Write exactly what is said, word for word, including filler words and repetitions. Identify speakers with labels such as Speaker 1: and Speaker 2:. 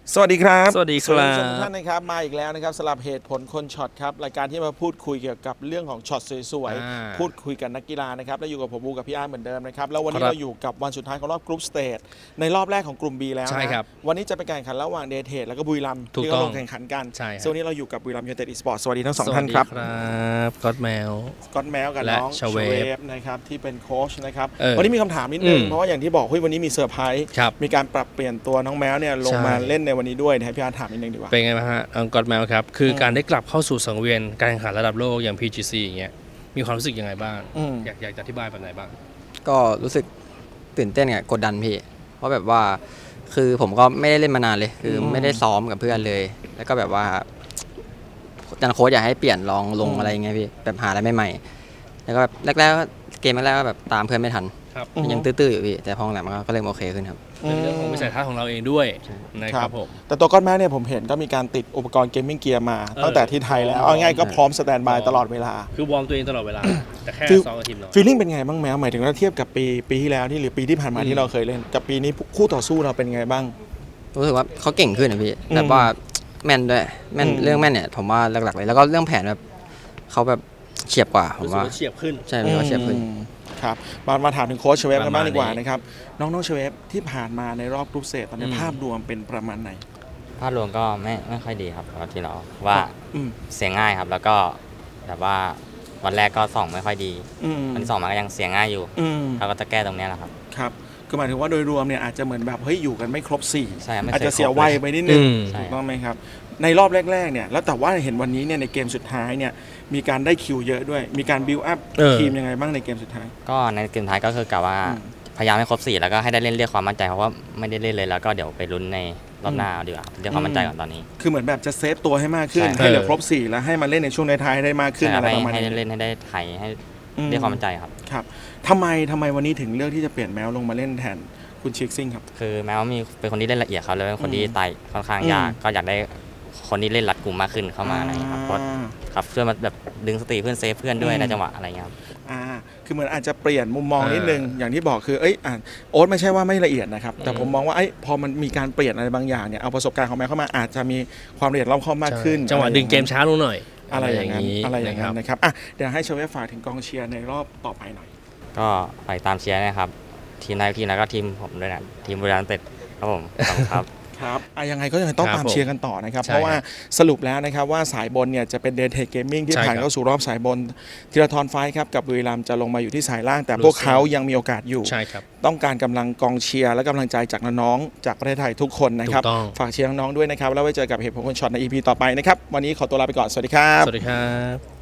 Speaker 1: สวัสดีครับ
Speaker 2: สวัสดีครับ
Speaker 1: สวัสดีทุกท่านนะครับมาอีกแล้วนะครับสำหรับเหตุผลคนช็อตครับรายการที่มาพูดคุยเกี่ยวกับเรื่องของช็อตสวยๆพูดคุยกับนักกีฬานะครับและอยู่กับผมบูกับพี่อาร์เหมือนเดิมนะครับแล้ววันนี้เราอยู่กับวันสุดท้ายของรอบกรุ๊ปสเตจในรอบแรกของกลุ่ม B แล้วนะวันนี้จะเป็นการแข่งขันระหว่างเดเทดแล้วก็บุรีรัมย์ที่เขาลงแข่งขันกันส่วนนี้เราอยู่กับบุรีรัมย์ยูไนเต็ดอีสปอร์ตสวัสดีทั้งสองท่านครับ
Speaker 2: ครับก็อดแมว
Speaker 1: ก็อดแมวกับน้อง
Speaker 2: ชเวฟ
Speaker 1: นะครับที่เป็นโค้ชนะครับวันนี้มีคำถามนิดนึงเพราะว่าอย่างที่บอกเฮ้ยวันนี้มีเซอร์ไพรส์มีการปรับเปลี่ยนตัวน้องแมวเนี่ยลงมาเล่นในวันนี้ด้วยให้พี่อาร์ถามนิดนึงดีกว่า
Speaker 2: เป็นไงบ้างฮะก็อดแมวครับคือการได้กลับเข้าสู่สังเวียนการแข่งขันระดับโลกอย่าง พี จี ซี อย่างเงี้ยมีความรู้สึกยังไงบ้างอยากอยากจะอธิบายแบบไหนบ้าง
Speaker 3: ก็รู้สึกตื่นเต้นกับกดดันพี่เพราะแบบว่าคือผมก็ไม่ได้เล่นมานานเลยคือไม่ได้ซ้อมกับเพื่อนเลยแล้วก็แบบว่าอาจารย์โค้ชอยากให้เปลี่ยนลองลงอะไรเงี้ยพี่แบบหาอะไรใหม่ๆแล้วก็แบบแรกๆเกมแรกๆก็แบบตามเพื่อนไม่ทันยังตื้อๆอยู่พี่แต่พอหลังมันก็เริ่มโอเคขึ้นครับ
Speaker 2: เป็นเรื่องของวิสัยทัศน์ของเราเองด้วยนะครับผม
Speaker 1: แต่ตัวก้อนแม่เนี่ยผมเห็นก็มีการติดอุปกรณ์เกมมิ่งเกียร์มาตั้งแต่ที่ไทยแล้วเอาง่ายก็พร้อมสแตนบายตลอดเวลา
Speaker 2: คือวอร์มตัวเองตลอดเวลาแต่แค่ซ้อมกับทีมเรา
Speaker 1: ฟีลลิ่งเป็นไงบ้างแมวหมายถึงว่าเทียบกับปีปีที่แล้วที่หรือปีที่ผ่านมาที่เราเคยเล่นกับปีนี้คู่ต่อสู้เราเป็นไงบ้าง
Speaker 3: รู้สึกว่าเขาเก่งขึ้นนะพี่แบบว่าแม่นด้วยแม่นเรื่องแม่นเนี่ยผมว่าหลักๆเลยแล้วก็เรื่องแผนแบบเขาแบบเฉียบกว่าผมว่า
Speaker 2: เฉียบขึ้น
Speaker 3: ใช่เขาเฉียบขึ้น
Speaker 1: ครับมามาถามถึงโค้ชเชเวฟกันบ้างดีกว่านะครับน้องๆเชเวฟที่ผ่านมาในรอบกรุ๊ปสเตจตอนนี้ภาพรวมเป็นประมาณไหน
Speaker 4: ภาพรวมก็ไม่ไม่ค่อยดีครับปกติเราว่าเสียงง่ายครับแล้วก็แบบว่าวันแรกก็ส่องไม่ค่อยดีวันที่สองมันก็ยังเสียงง่ายอยู่เราก็จะแก้ตรงนี้แหละครับ
Speaker 1: ครับก็หมายถึงว่าโดยรวมเนี่ยอาจจะเหมือนแบบเฮ้ยอยู่กันไม่ครบสี่อาจจะเสียวัยไปนิดนึงถูกต้องไหมครับในรอบแรกๆเนี่ยแล้วแต่ว่าเห็นวันนี้เนี่ยในเกมสุดท้ายเนี่ยมีการได้คิวเยอะด้วยมีการบิวอัพทีมยังไงบ้างในเกมสุดท้าย
Speaker 4: ก็ในเกมท้ายก็คือกะว่าพยายามให้ครบสี่แล้วก็ให้ได้เล่นเรียกความมั่นใจเพราะว่าไม่ได้เล่นเลยแล้วก็เดี๋ยวไปลุ้นในรอบหน้าดีกว่าเรียกความมั่นใจก่อนตอนนี้
Speaker 1: คือเหมือนแบบจะเซฟตัวให้มากขึ้นให้เหลือครบสี่แล้วให้มาเล่นในช่วงท้ายได้มากขึ้นอะไรประมาณนี้
Speaker 4: ให้เล่นให้ได้ไทยให้เรียกความมั่นใจครับ
Speaker 1: ครับทำไมทำไมวันนี้ถึงเลือกที่จะเปลี่ยนแมวลงมาเล่นแทนคุณชิคซิ่งครับ
Speaker 4: คือแมวมีเป็นคนที่เล่นละเอียดเขาเลยเป็นคนที่ไต่ค่อนข้างยากก็อยากได้คนที่เล่นรัดกลุ่มมากขึ้นเข้ามาอะไรครับเพราะครับเพื่อมาแบบดึงสติเพื่อนเซฟเพื่อนด้วยในจังหวะอะไรเงี้ยครับ
Speaker 1: อ่าคือเหมือนอาจจะเปลี่ยนมุมมองนิดนึงอย่างที่บอกคือเอ้ยอ่าโอ๊ตไม่ใช่ว่าไม่ละเอียดนะครับแต่ผมมองว่าไอ้พอมันมีการเปลี่ยนอะไรบางอย่างเนี่ยเอาประสบการณ์ของแมวเข้ามาอาจจะมีความละเอียดรอบคอบมากขึ้น
Speaker 2: จังหวะดึงเกมช้าลงหน่อย
Speaker 1: อะไรอย่างนั้นอะไรอย่างนั้นนะครับอ่ะเดี๋ยวให้เชเวฟฝากถึงกองเชียร์ในรอบต่อไปหน่อย
Speaker 4: ก็ไปตามเชียร์นะครับทีมนายทีมแล้วก็ทีมผมด้วยนะทีมบุรีรัมย์เต็ดครับผมครับ
Speaker 1: ครับอ่ะยังไงก็ยังต้องตามเชียร์กันต่อนะครับเพราะว่าสรุปแล้วนะครับว่าสายบนเนี่ยจะเป็นเดทเทคเกมมิ่งที่ผ่านเข้าสู่รอบสายบนธีรทรไฟครับกับบุรีรัมย์จะลงมาอยู่ที่สายล่างแต่พวกเขายังมีโอกาสอยู่ต้องการกำลังกองเชียร์และกำลังใจจากน้องๆจากประเทศไทยทุกคนนะครับฝากเชียร์น้องๆด้วยนะครับแล้วไว้เจอกับเหตุผลคนช็อตใน อี พี ต่อไปนะครับวันนี้ขอตัวลาไปก่อนสวัสดีครับ
Speaker 2: สวัสดีครับ